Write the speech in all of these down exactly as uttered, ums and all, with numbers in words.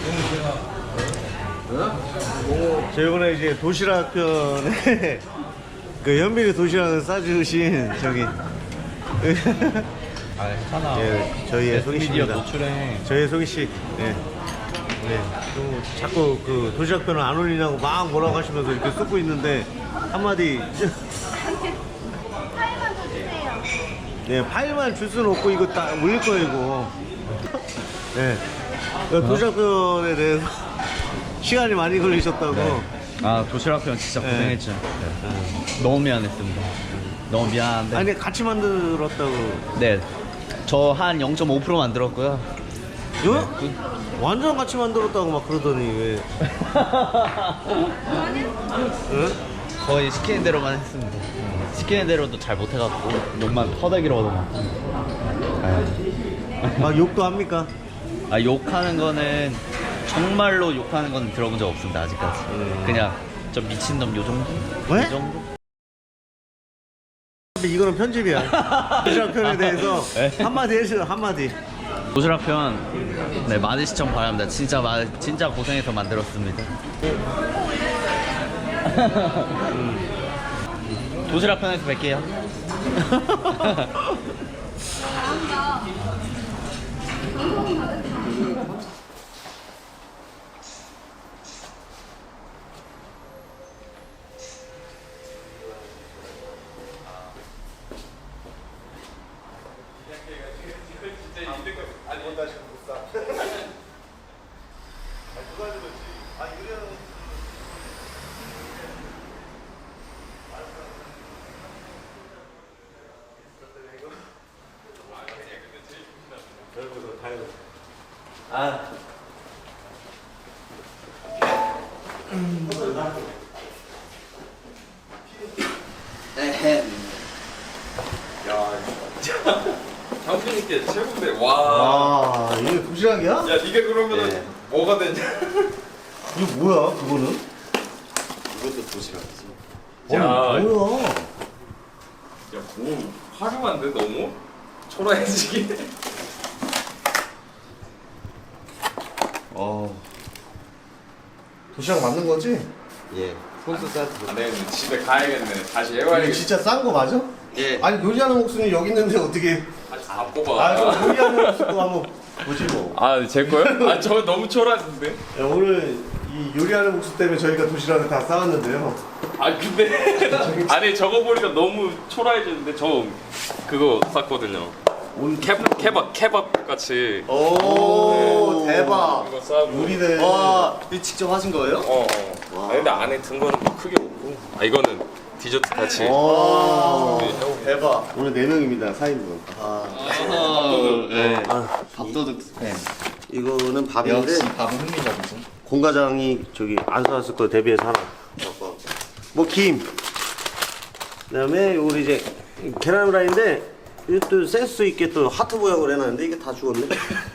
저 이번에 이제 도시락 편에 그 현빈이 도시락을 싸주신 저기 아, 괜찮아. 예, 저희의 소희 미디어 씨입니다. 노출해. 저희의 소희 씨. 예. 네. 또 자꾸 그 도시락 편을 안 올리냐고 막 뭐라고 하시면서 이렇게 쏟고 있는데 한마디. 파일만 더 주세요. 네, 파일만 줄 수는 없고 이거 다 올릴 거예요 이거. 네. 도시락 편에 대해서 시간이 많이 걸리셨다고. 네. 아, 도시락 편 진짜 네. 고생했죠. 네. 너무 미안했습니다. 너무 미안한데. 아니 같이 만들었다고. 네. 저 한 영 점 오 퍼센트 만들었고요. 요? 완전 같이 만들었다고 막 그러더니 왜? 응? 거의 시키는 대로만 했습니다. 시키는 대로도 잘 못해갖고 욕만 퍼대기로 얻어맞고. 막 욕도 합니까? 아, 욕하는 거는 정말로 욕하는 건 들어본 적 없습니다 아직까지. 음. 그냥 좀 미친놈 요 정도? 왜? 이 정도? 이거는 편집이야. 도시락 편에 대해서 네. 한마디 해주세요. 한마디. 도시락 편, 네, 많은 시청 바랍니다. 진짜 마, 진짜 고생해서 만들었습니다. 음. 도시락 편에서 뵐게요. 아. 장훈님께 최고인데 와. 아, 이게 도시락이야? 야 이게 그러면은 네. 뭐가 되냐? 이거 뭐야? 그거는? 이것도 도시락이지. 야, 야, 뭐야? 야뭐 화려한데 너무 초라해지게. 어. 도시락 맞는 거지? 예. 손수 싸도. 안 되겠네. 집에 가야겠네. 다시 해와야겠네. 이게 진짜 싼 거 맞아? 예. 아니 요리하는 목숨이 여기 있는데 어떻게? 다시 다 뽑아. 아, 그럼 요리하는 목숨도 한번 보지 뭐. 아, 제 거요? 아, 저 너무 초라한데. 야, 오늘 이 요리하는 목숨 때문에 저희가 도시락을 다 싸왔는데요. 아, 근데 아니 저거 보니까 너무 초라해지는데 저 그거 쌌거든요. 케밥 케밥 케밥 같이. 오, 대박. 이거 싸고. 요리네. 와, 이거 직접 하신 거예요? 어. 어. 아, 근데 안에 든 거는 뭐 크게 없고. 아, 이거는 디저트 같이. 오, 네. 대박. 오늘 네 명입니다. 사 인분. 아, 네. 아, 밥도둑 네. 이거는 밥인데 역시 밥은 흥미적이죠. 공 과장이 저기 안 사왔을 거 대비해서 하나. 뭐 김. 그다음에 요리 이제 계란 후라이인데 이것도 센스 있게 또 하트 모양으로 해놨는데 이게 다 죽었네.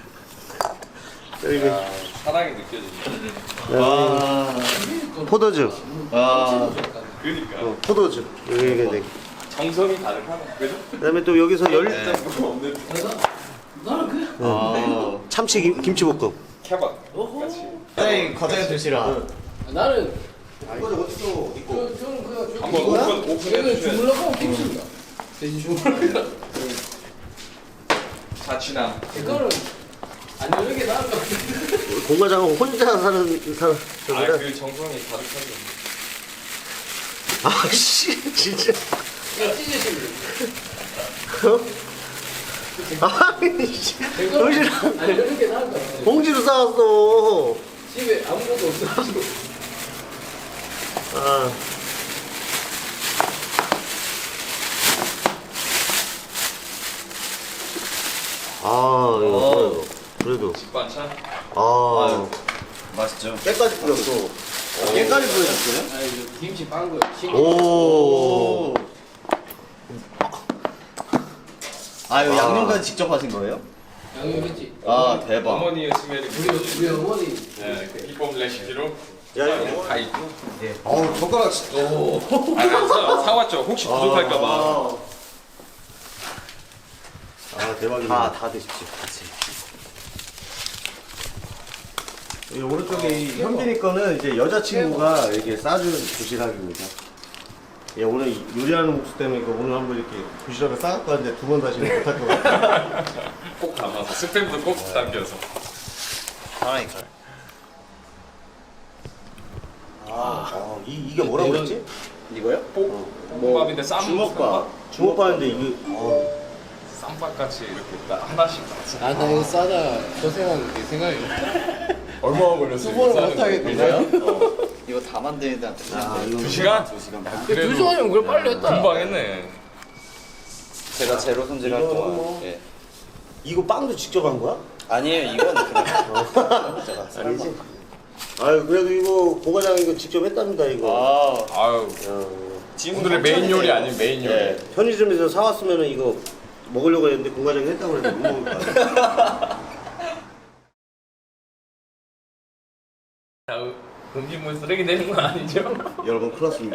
그리고 아, 사랑이 느껴지죠. 와, 포도즙. 와, 그러니까 어, 포도즙. 여기 이게 정성이 다르잖아. 그죠? 그다음에 또 여기서 열 네. 없는 아, 참치 김, 김치볶음. 케밥 같이. 선생님 과자에 드시라. 나는 이거 어디서 있고? 그, 저는 그냥 주- 한번 오픈 오픈해 저는 주셔야 주물럭하고 김치입니다. 대신 주물럭이다. 자취남. 이거는 안 여는 게 나을 것 같은데. 공 과장은 혼자 사는 사람. 아, 그 정성이 가득하죠. 아씨 진짜. 야, 찢으시면 아니 씨. 이거는 도시락 안 여는 게 나을 것 같아. 봉지로 싸왔어. 집에 아무것도 없어가지고. 아. 아 이거 뭐야, 그래도 반찬. 아 맛있죠? 깨까지 뿌렸어. 깨까지 보여줬어요? 아, 이거 김치 빤 거야. 신- 오. 아, 이거 아. 양념까지 직접 하신 거예요? 양념했지. 아, 대박. 어머니의 스멜이 우리 우리 어머니. 네, 그 기법 레시피로 야 이거. 다 있고. 어우 젓가락 진짜. 아, 사, 사왔죠. 혹시 부족할까봐. 아, 아 대박이네. 다, 다 드십시오, 같이. 이 오른쪽에 이 현빈이 거는 이제 여자친구가 이렇게 싸준 도시락입니다. 예, 오늘 요리하는 목수 때문에 이거 오늘 한번 이렇게 도시락을 싸갖고 왔는데 두 번 다시는 못할 것 같아요. 꼭 담아서 스팸도 꼭 담겨서. 사랑이니까. 아, 어, 이, 이게 뭐라고 그랬지? 이거요? 볶음밥인데 쌈 주먹밥. 주먹밥인데 이게 어, 쌈밥 같이 이렇게 딱 하나씩 같이. 아, 나 이거 싸다 고생한 게 생각이 얼마나 걸렸어요? 두 번을 못 하겠는데요? 어. 이거 다 만드는데 한 아, 이거 두 시간? 두 시간. 두 시간이면 그걸 빨리 했다. 금방 했네. 제가 제로 손질할 이거 동안. 뭐- 예. 이거 빵도 직접 한 거야? 아니에요, 이거는 그냥 제가 아니지. 아유, 그래도 이거 고과장 이거 직접 했답니다 이거. 아, 아유. 어, 오늘의 메인 요리 아닌 메인 요리. 예. 편의점에서 사왔으면은 이거 먹으려고 했는데 공과장이 했다고 그랬는데 못 먹을 거야. 자, 음식물 쓰레기 내는 건 아니죠? 여러분 큰일 났습니다.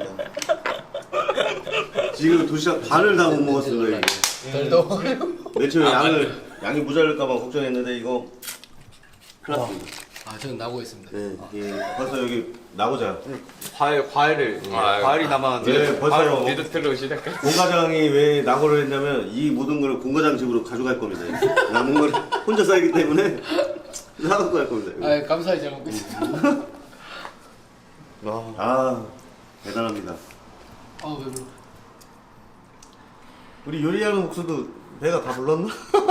지금 도시락 반을 다 못 먹었습니다 이게. 덜 더워요. 맨 처음에 양을 양이 모자랄까봐 걱정했는데 이거 큰일 났습니다. 아, 저는 나고 있습니다. 네, 예, 벌써 여기 나고자. 과일 과일을 아유. 과일이 남았는데. 네, 벌써 디저트로 시작해. 공과장이 왜 낙오를 했냐면 이 모든 걸 공과장 집으로 가져갈 겁니다. 남은 걸 혼자 살기 때문에 사갖고 갈 겁니다. 아, 감사히 잘 먹고 있습니다. 아 대단합니다. 아, 왜 그러? 우리 요리하는 목수도 배가 다 불렀나?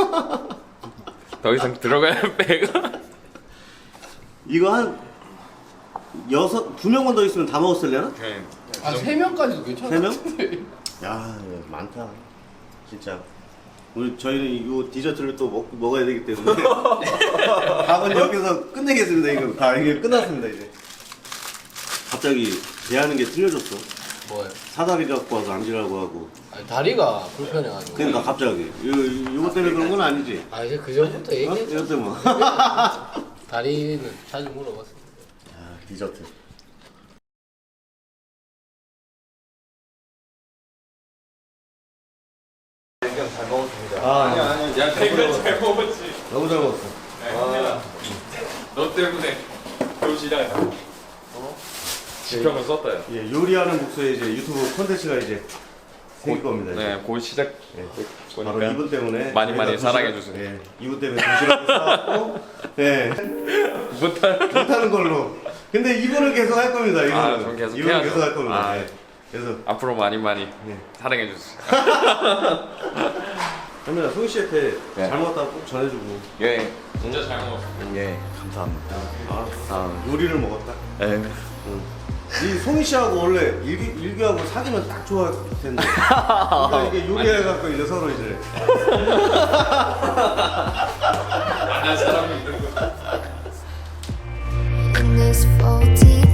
더 이상 들어가야 배가. 이거 한 여섯 두 명만 더 있으면 다 먹었을려나? 네. 아, 세 명까지도 괜찮아. 세 명? 야 많다 진짜. 우리 저희는 이 디저트를 또 먹, 먹어야 되기 때문에 밥은 여기서 끝내겠습니다. 이거 다 이게 끝났습니다 이제. 갑자기 대하는 게 틀려졌어. 뭐예요? 사다리 갖고 와서 앉으라고 하고. 아니, 다리가 불편해가지고. 그러니까 갑자기 요, 요거 때문에 그런 건 아니지? 아, 이제 그 전부터 어? 얘기했죠. 이것 때문에. 다리는 자주 물어봤습니다. 아, 디저트. 잘 먹었습니다. 아, 아니 야 배가 잘 먹었지. 너무 잘 먹었어. 아. 너 때문에 도시락. 어? 지평을 썼다. 야. 예, 요리하는 목소의 이제 유튜브 콘텐츠가 이제 생길 겁니다. 이제. 네, 곧 시작. 예. 보니까 바로 이분 때문에 많이 많이 저희가 사랑해 도시락- 주세요. 예, 이분 때문에 도시락을 싸왔고, 예, 못할. 못하는 걸로. 근데 이분은 계속 할 겁니다. 이분은 아, 전 계속 이분은 해야죠. 계속 할 겁니다. 아. 예. 그래서 앞으로 많이 많이 네. 사랑해 주세요. 현민아, 송희 씨한테 네. 잘 먹었다고 꼭 전해주고. 예, 진짜 잘 먹었어. 예, 감사합니다. 아, 아, 요리를 먹었다. 예. 이 송희 씨하고 원래 일기, 일기하고 사귀면 딱 좋아할 텐데. 그러니까 이게 요리해갖고 이제 서로 이제. 안한 사람이 있는 거. in this faulty